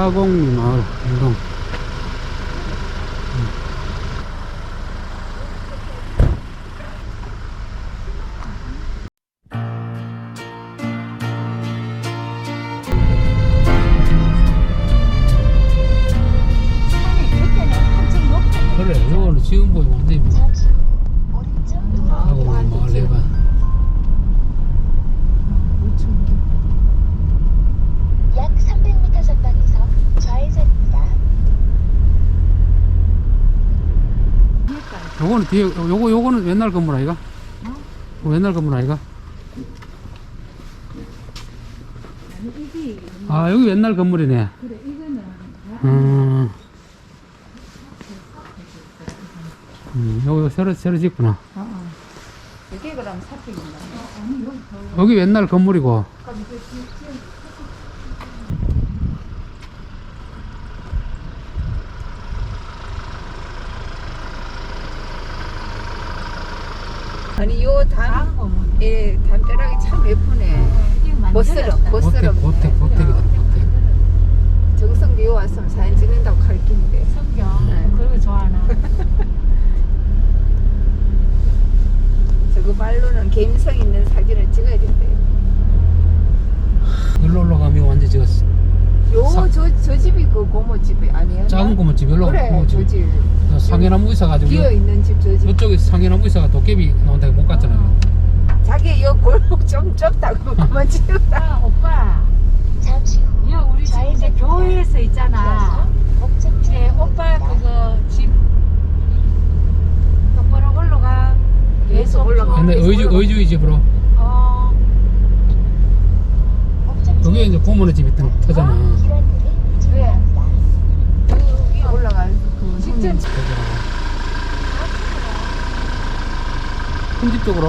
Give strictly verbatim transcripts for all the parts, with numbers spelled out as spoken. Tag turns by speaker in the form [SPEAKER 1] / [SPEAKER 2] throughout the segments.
[SPEAKER 1] 사공리 마을 운동. 그래, 이거는 지금 보면 완전히 뭐 사공리 마을 내가
[SPEAKER 2] 약 삼백 미터 전방에서 좌회전입니다.
[SPEAKER 1] 요거는 뒤에 요거 요거는 옛날 건물 아이가? 어? 옛날 건물 아이가? 아 여기 옛날 건물이네.
[SPEAKER 3] 그래 이거는
[SPEAKER 1] 음, 음 요거 새로 새로 짓구나.
[SPEAKER 3] 어, 어. 이게 그럼 사택인가? 아니 여기 더
[SPEAKER 1] 여기 옛날 건물이고.
[SPEAKER 4] 아니 요담 예, 담벼락이 참 예쁘네. 멋스러,
[SPEAKER 1] 고택
[SPEAKER 4] 멋스러.
[SPEAKER 1] 고택 고택이다 고택.
[SPEAKER 4] 정성도 요 왔으면 사진 찍는다고 가르치는데.
[SPEAKER 3] 성경
[SPEAKER 4] 네.
[SPEAKER 3] 그런 거 좋아하나?
[SPEAKER 4] 저거 말로는 감성 있는 사진을 찍어야 된대.
[SPEAKER 1] 일로 올라가면 완전 지금 사-
[SPEAKER 4] 요 저 저 집이 그 고모집이 아니에요?
[SPEAKER 1] 작은 고모집 일로
[SPEAKER 4] 그래,
[SPEAKER 1] 고모집.
[SPEAKER 4] 저 집.
[SPEAKER 1] 상해나무 있어가지고
[SPEAKER 4] 비어 있는 집 저 집.
[SPEAKER 1] 이쪽에 상해나무 있어가 도깨비 나온다고 못 갔잖아요.
[SPEAKER 4] 자기 요 골목 좀 좁다고 그만 찍었다.
[SPEAKER 3] 아 오빠
[SPEAKER 2] 잠시 후
[SPEAKER 3] 야 우리 집 이제 교회에서 있잖아. 이제 오빠 그거 집 똑바로 올라가.
[SPEAKER 4] 계속 올라가.
[SPEAKER 1] 근데 의주 의주의 집으로
[SPEAKER 3] 어
[SPEAKER 1] 여기 이제 고모네 집이 터잖아.
[SPEAKER 4] 그래. 그 위에 올라가. 그
[SPEAKER 3] 직전
[SPEAKER 1] 큰 집 쪽으로.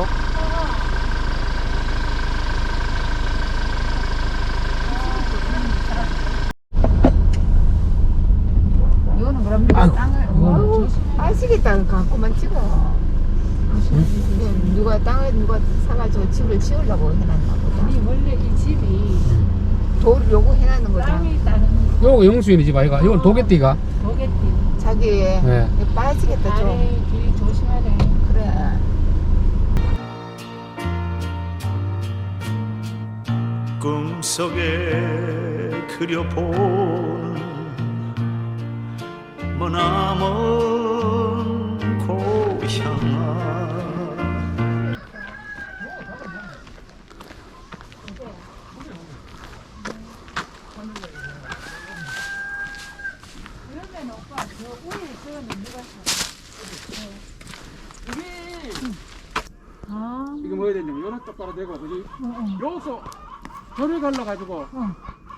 [SPEAKER 4] 이거는 그럼
[SPEAKER 1] 아이고,
[SPEAKER 4] 땅을
[SPEAKER 1] 이거는
[SPEAKER 4] 아시겠다 갖고만 찍어. 이건 누가 땅을 누가 사가지고 집을 지으려고 해놨나 보다.
[SPEAKER 3] 아니 원래 이 집이
[SPEAKER 4] 돌 요거 해놨는 거다.
[SPEAKER 3] 땅이 있다는
[SPEAKER 1] 요거 영수인이 집 아이가? 이건 도개띠가?
[SPEAKER 3] 도개띠.
[SPEAKER 4] 자기
[SPEAKER 1] 네.
[SPEAKER 4] 이거 빠지겠다 좀.
[SPEAKER 3] 아래 길 조심하래.
[SPEAKER 4] 그래.
[SPEAKER 5] 꿈속에 그려본 머나먼 고향아
[SPEAKER 3] 그러면 오빠 저 위에 저는 누가 아
[SPEAKER 6] 이거 뭐 해야 되냐면 요런 똑바로 대고 그지?
[SPEAKER 3] 어, 어.
[SPEAKER 6] 여기서 절을 갈라 가지고
[SPEAKER 3] 어.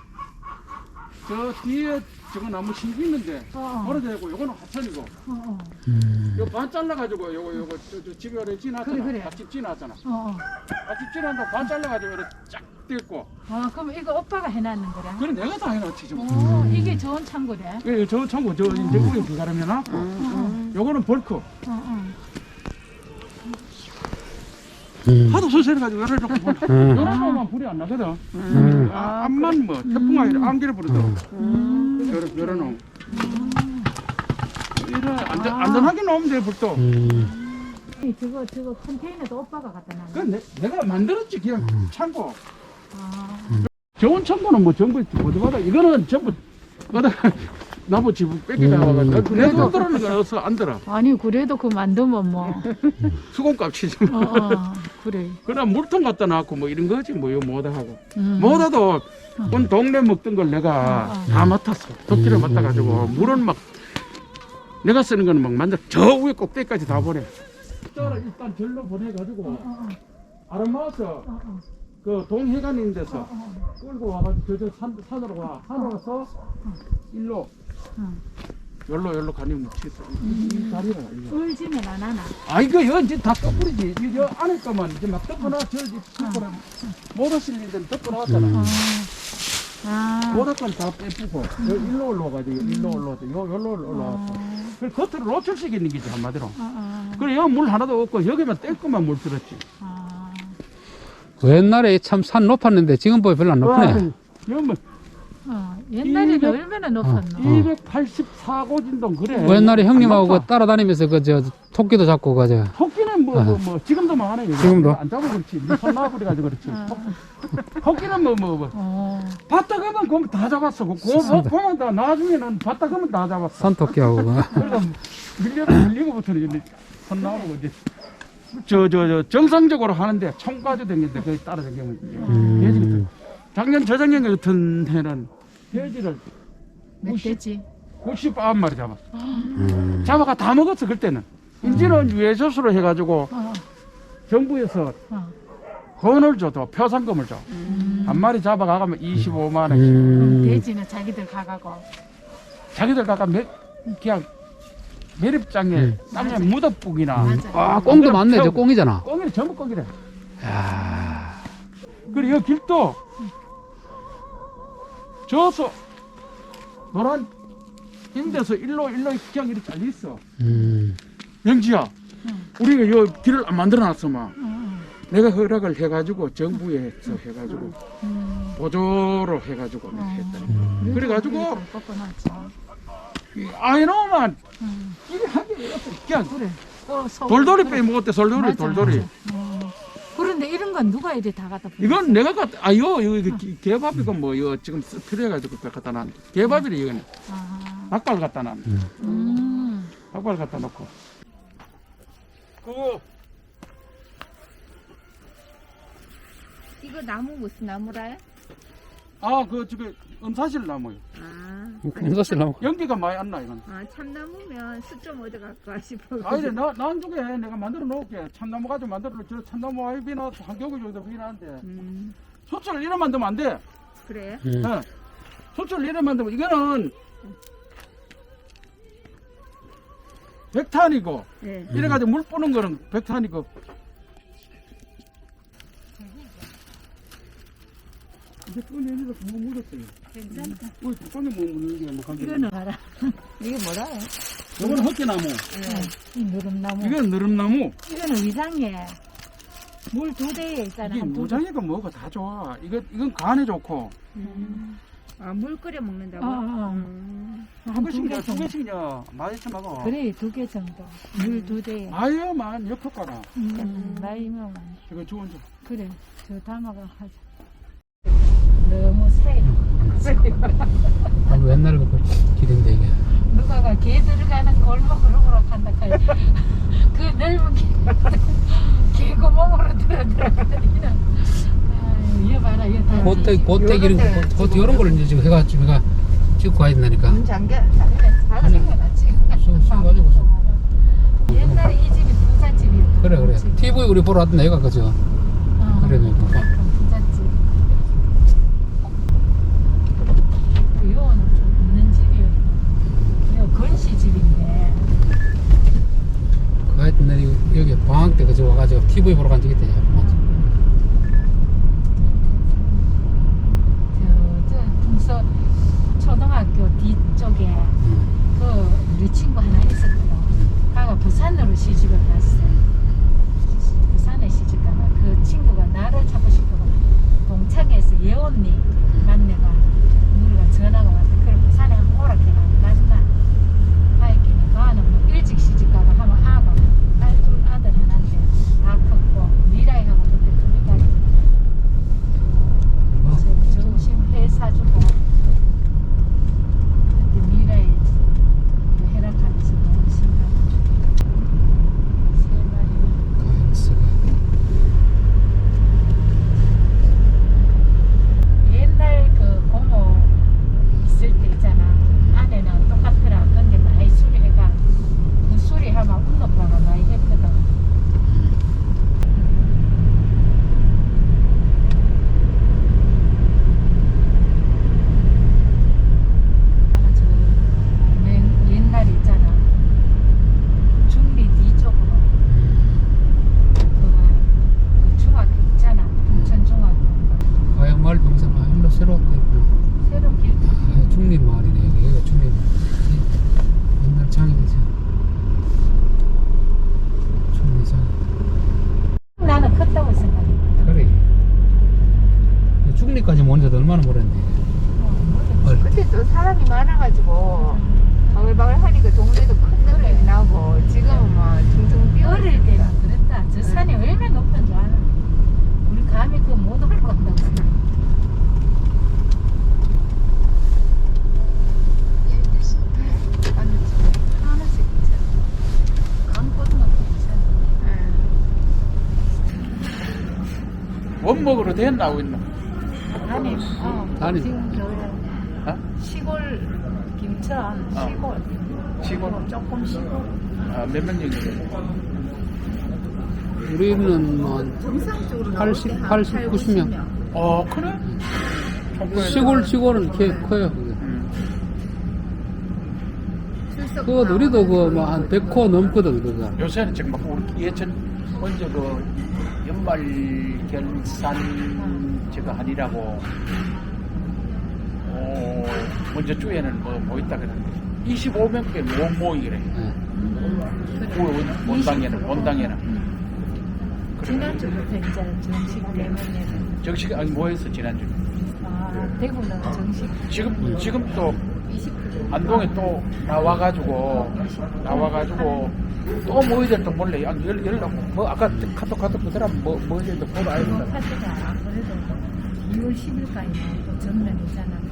[SPEAKER 6] 저 뒤에 저거 나무 심기 있는데
[SPEAKER 3] 어, 어.
[SPEAKER 6] 걸어 대고 요거는 하천이고
[SPEAKER 3] 어, 어.
[SPEAKER 1] 음.
[SPEAKER 6] 요 반 잘라 가지고 요거 요거 저, 저 집에 오래 지나잖아.
[SPEAKER 3] 그래, 그래.
[SPEAKER 6] 앞집 지나잖아.
[SPEAKER 3] 어, 어.
[SPEAKER 6] 앞집 지나서 반 잘라 가지고 이렇게 쫙 떼고
[SPEAKER 3] 아, 그럼 이거 오빠가 해놨는 거라?
[SPEAKER 6] 그래 내가 다 해놨지 좀.
[SPEAKER 3] 어, 이게 좋은 창고래?
[SPEAKER 6] 예, 저 창고 저 이제 우리 비가름 해놨고 요거는 벌크
[SPEAKER 3] 어, 어.
[SPEAKER 1] 음.
[SPEAKER 6] 하도 소설해 가지고 열을 놓고 보면
[SPEAKER 1] 음.
[SPEAKER 6] 요런 거만 불이 안 나거든.
[SPEAKER 1] 음.
[SPEAKER 6] 아, 앞만 뭐 태풍아 이래 안개를 부르더라고.
[SPEAKER 3] 음.
[SPEAKER 6] 요런 요런 놈. 이래 안전 안전하게 놓으면 돼 불도.
[SPEAKER 1] 음.
[SPEAKER 3] 아니, 저거, 저거 컨테이너도 오빠가 갖다 놨네.
[SPEAKER 6] 그 내, 내가 만들었지 그냥 창고.
[SPEAKER 3] 아,
[SPEAKER 6] 좋은 창고는 뭐 전부 어디마다 이거는 전부 어디 나무 집 뺏겨나와가지고 내 돈 들어는 거 어서 안 들어.
[SPEAKER 3] 아니, 그래도 그 만들면 뭐.
[SPEAKER 6] 수공값이지.
[SPEAKER 3] 어, 어, 그래.
[SPEAKER 6] 그럼 물통 갖다 놨고 뭐 이런 거지 뭐 이거 뭐다 하고.
[SPEAKER 3] 음.
[SPEAKER 6] 뭐다도 온 동네 먹던 걸 내가
[SPEAKER 3] 어, 어.
[SPEAKER 6] 다 맡았어. 도끼를 맡아가지고 물은 막 내가 쓰는 거는 막 만들 저 위에 꼭대기까지 다 보내. 일단 일단 절로 보내가지고
[SPEAKER 3] 어, 어,
[SPEAKER 6] 아름마워서
[SPEAKER 3] 어, 어.
[SPEAKER 6] 그 동해관 있는 데서
[SPEAKER 3] 어, 어.
[SPEAKER 6] 끌고 와가지고 저저 산, 산으로 와. 산으로 와서 일로
[SPEAKER 3] 어.
[SPEAKER 6] 열로 열로 가면 묻히어. 이, 이 다리가 이거.
[SPEAKER 3] 울지면 안 하나?
[SPEAKER 6] 아 이거 이거 이제 다 떠버리지. 이거 안에 거만 이제 막 덮어놔. 저 이제 덮어놔. 모터 실린 데는 덮어놨잖아.
[SPEAKER 3] 어. 아.
[SPEAKER 6] 모터 건다 빼쁘고 여 일로 올라와가지고 일로 올라와서 요 열로 올라왔어. 그 겉으로 노출시키는 게지 한마디로.
[SPEAKER 3] 어, 어.
[SPEAKER 6] 그래 여기 물 하나도 없고 여기만 뗄 것만 물 들었지.
[SPEAKER 3] 아.
[SPEAKER 1] 옛날에 참 산 높았는데 지금 보면 별로 안 높네.
[SPEAKER 6] 여기 뭐
[SPEAKER 3] 어. 옛날에는
[SPEAKER 6] 이백
[SPEAKER 3] 얼마나 높았노?
[SPEAKER 1] 어.
[SPEAKER 6] 이백팔십사 고진동 그래.
[SPEAKER 1] 뭐 옛날에 형님하고
[SPEAKER 6] 안 높아.
[SPEAKER 1] 그 따라다니면서 그 저 토끼도 잡고 가죠.
[SPEAKER 6] 토끼는 뭐, 뭐, 뭐, 지금도 많아. 여기.
[SPEAKER 1] 지금도?
[SPEAKER 6] 안 잡아 그렇지. 네손 놔버려가지고 그렇지.
[SPEAKER 3] 어.
[SPEAKER 6] 토끼는 뭐, 뭐, 뭐.
[SPEAKER 3] 어.
[SPEAKER 6] 봤다 그러면 그거 다 잡았어. 그거
[SPEAKER 1] 좋습니다.
[SPEAKER 6] 보면 다, 나중에는 봤다 그러면 다 잡았어.
[SPEAKER 1] 산토끼하고.
[SPEAKER 6] 그래서 밀려, 밀리고부터는 이제 손 나오고 이제. 저, 저, 저, 정상적으로 하는데 총 가지고 다니는데 거기 따라 다니면
[SPEAKER 1] 음.
[SPEAKER 6] 작년, 저작년 같은 해는 돼지를
[SPEAKER 3] 멧돼지.
[SPEAKER 6] 구십구 마리 잡았어.
[SPEAKER 1] 음.
[SPEAKER 6] 잡아가 다 먹었어, 그때는. 이제는 유해조수로 해가지고
[SPEAKER 3] 어.
[SPEAKER 6] 정부에서
[SPEAKER 3] 어.
[SPEAKER 6] 건을 줘도 표상금을 줘. 한 마리 잡아가면 이십오만 원씩.
[SPEAKER 1] 음.
[SPEAKER 3] 돼지는 자기들 가가고.
[SPEAKER 6] 자기들 가가 매, 그냥 매립장에
[SPEAKER 1] 음.
[SPEAKER 6] 땅에 묻어뿌기나.
[SPEAKER 3] 맞아.
[SPEAKER 1] 아, 꽁도 많네. 저 꽁이잖아.
[SPEAKER 6] 꽁이래, 전부 꽁이래.
[SPEAKER 1] 야.
[SPEAKER 6] 그리고 이 길도 저서 노란 인데서 일로 일로 그냥 이렇게 잘려 있어.
[SPEAKER 1] 음.
[SPEAKER 6] 영지야,
[SPEAKER 3] 응.
[SPEAKER 6] 우리가 이 길을 안 만들어놨어 막.
[SPEAKER 3] 응.
[SPEAKER 6] 내가 허락을 해가지고 정부에서 해가지고
[SPEAKER 3] 음.
[SPEAKER 6] 보조로 해가지고 내가 했더니 그래가지고
[SPEAKER 3] 꺾어놨죠.
[SPEAKER 6] 아이놈만
[SPEAKER 3] 응.
[SPEAKER 6] 길이 하기 어렸어. 그냥
[SPEAKER 3] 그래. 어, 서-
[SPEAKER 6] 돌돌이
[SPEAKER 3] 그래.
[SPEAKER 6] 빼 먹었대. 돌돌이
[SPEAKER 3] 맞아,
[SPEAKER 6] 돌돌이.
[SPEAKER 3] 맞아. 어. 그런데 이런 건 누가 이리 다 갖다 뿌렸어?
[SPEAKER 6] 이건 내가 갖 아요 이거 개밥이고 뭐 이거 지금 필요해가지고 갖다 놨. 개밥이래 이거는.
[SPEAKER 3] 아.
[SPEAKER 6] 닭발 갖다 놨.
[SPEAKER 3] 음.
[SPEAKER 6] 닭발 갖다 놓고. 그
[SPEAKER 4] 이거 나무 무슨 나무라요?
[SPEAKER 6] 아, 그, 저기, 음사실 나무요.
[SPEAKER 4] 아,
[SPEAKER 1] 금사실 나무.
[SPEAKER 6] 연기가 많이 안 나, 이건.
[SPEAKER 4] 아 참나무면 숯 좀 얻어갈까 싶어.
[SPEAKER 6] 아, 이래, 나, 나중에 내가 만들어 놓을게. 참나무 가지고 만들어 놓을게. 저 참나무 아이 비나, 한 교기 정도 비나는데.
[SPEAKER 4] 음,
[SPEAKER 6] 소철을 이래 만들면 안 돼.
[SPEAKER 4] 그래?
[SPEAKER 1] 음.
[SPEAKER 6] 예. 소철을 이래 만들면, 이거는, 백탄이고,
[SPEAKER 4] 네.
[SPEAKER 6] 이래가지고 물 뿌는 거는 백탄이고. 이제 끈이 아니라 뭐 묻었어요.
[SPEAKER 3] 괜찮다.
[SPEAKER 6] 뭐, 끈이 뭐 묻는 게 뭐 관계.
[SPEAKER 3] 이거는 봐라.
[SPEAKER 4] 이게 뭐라요?
[SPEAKER 6] 이거는 헛개나무.
[SPEAKER 3] 이 누름나무.
[SPEAKER 6] 이건 느릅나무.
[SPEAKER 3] 이거는 위장에 물 두 대에 있잖아.
[SPEAKER 6] 이게
[SPEAKER 3] 한 두 대.
[SPEAKER 6] 무장이고 뭐고 다 좋아. 이거 이건 간에 좋고.
[SPEAKER 4] 음. 아, 물 끓여 먹는다고?
[SPEAKER 3] 어, 어.
[SPEAKER 4] 음.
[SPEAKER 6] 한
[SPEAKER 3] 두
[SPEAKER 6] 개씩이냐,
[SPEAKER 3] 개
[SPEAKER 6] 두
[SPEAKER 3] 정도.
[SPEAKER 6] 개씩이냐, 많이 먹어.
[SPEAKER 3] 그래 두 개 정도. 물 두 대에.
[SPEAKER 6] 아유만 역효과라.
[SPEAKER 3] 음, 나이면
[SPEAKER 6] 이거 좋은 점.
[SPEAKER 3] 그래. 저 담아가 하자. 너무 새.
[SPEAKER 1] 아, 옛날에 그 길인데 이게.
[SPEAKER 3] 누가가 개 들어가는 골목으로 간다 카이. 그 넓은 개, 개구멍으로 들어 들어가더니는. 아유, 얘 봐라, 얘 다.
[SPEAKER 1] 고대 고대 기름 고 이런 걸 이제 지금 해가지고 내가 찍고 가야 된다니까.
[SPEAKER 4] 문 잠겨.
[SPEAKER 3] 그래, 잘 생겨놨지.
[SPEAKER 1] 써- 써가지고 써.
[SPEAKER 3] 옛날에 이 집이 부잣집이었거든.
[SPEAKER 1] 그래 그래.
[SPEAKER 3] 집.
[SPEAKER 1] 티비 우리 보러 왔던 애가 그죠.
[SPEAKER 3] 어,
[SPEAKER 1] 그래 그러니까.
[SPEAKER 3] 부잣집. 요거는 좀 있는 집이었고, 요 건시집인데.
[SPEAKER 1] 그 하여튼 내 여기 방학 때 그저 와가지고 티비 보러 간 적이 있대.
[SPEAKER 3] 저, 저 동서 초등학교 뒤쪽에
[SPEAKER 1] 음.
[SPEAKER 3] 그 우리 친구 하나 있었거든. 가가 부산으로 시집을 갔어. 부산에 시집 가가 그 친구가 나를 찾고 싶어가 동창에서 예언니 만내가 우리가 전화가 왔어. 그래 부산에 한 오락해가 안 갔나? 하여튼 가는 뭐 일찍 시집 가가 하면 아가 딸둘 아들 하나인데 다 컸고 미라이하고 그때 둘이 딸이 점심 회 사주고 그때 미라이 해락하면서 너무 신나가지고 세 마리
[SPEAKER 1] 가인스가.
[SPEAKER 3] 옛날 그 고모 있을 때 있잖아 아내는 똑같더라. 근데 많이 수리해가 그 수리하면 운동바가 많이 했거든. 나는 저 맨- 옛날 있잖아 중리 뒤쪽으로 그 중학교 있잖아 동천 중학교
[SPEAKER 1] 과연 마을 병사가 일로 새로 왔다 있구나.
[SPEAKER 3] 새로 길
[SPEAKER 1] 아, 중립 마을이네 여기. 여기가 중립 마을. 옛날 장이지. 중립 장.
[SPEAKER 3] 나는 컸다고 생각해.
[SPEAKER 1] 그래. 중립까지 먼저 얼마나 멀었는데.
[SPEAKER 3] 어,
[SPEAKER 1] 어릴 때.
[SPEAKER 4] 그때 또 사람이 많아가지고 바글바글 하니까 동네도 큰 느낌이 나고 지금은 뭐 퉁퉁 비어
[SPEAKER 3] 어릴
[SPEAKER 4] 있으니까.
[SPEAKER 3] 때는 그랬다. 저 산이 얼마나 높은 줄 알아? 우리 감히 그거 못 올 것 같다고.
[SPEAKER 2] 열두 시입니다.
[SPEAKER 3] 하나씩 괜찮아. 강고등학교 괜찮아.
[SPEAKER 6] 원목으로 된 나오고 있나?
[SPEAKER 3] 아니, 어,
[SPEAKER 1] 아니.
[SPEAKER 3] 지금 저
[SPEAKER 6] 어?
[SPEAKER 3] 시골 김천
[SPEAKER 6] 어.
[SPEAKER 3] 시골
[SPEAKER 6] 시골?
[SPEAKER 3] 조금 시골.
[SPEAKER 6] 아, 몇 명 정도 돼?
[SPEAKER 1] 우리는 뭐
[SPEAKER 4] 정상적으로
[SPEAKER 1] 팔십, 팔십, 구십 명.
[SPEAKER 6] 어, 그래?
[SPEAKER 1] 시골 시골은 꽤 커요. 그게.
[SPEAKER 6] 음.
[SPEAKER 1] 그거 우리도 그뭐한 백 호 넘거든 그거.
[SPEAKER 6] 요새는 지금 막 우리 예전 먼저 그 연말 결산 제가 하니라고 어, 먼저 주에는 뭐, 뭐 있다 그랬는데 이십오 명께 못 모이기래.
[SPEAKER 1] 네.
[SPEAKER 6] 그 원- 원당에는 원당에는.
[SPEAKER 3] 지난주부터 이제 정식 때문에는
[SPEAKER 6] 정식 아니 뭐했어 지난주.
[SPEAKER 3] 아, 대구는 정식
[SPEAKER 6] 지금 지금 또
[SPEAKER 3] 이십 퍼센트
[SPEAKER 6] 안동에 또 나와가지고 나와가지고 또 모이들 몰래 연- 연- 연락 뭐 아까 카톡 카톡 그더라 뭐 모이들 보러 와야 된다.
[SPEAKER 3] 카드가 그래도 이월 십일까지 또 전면이잖아.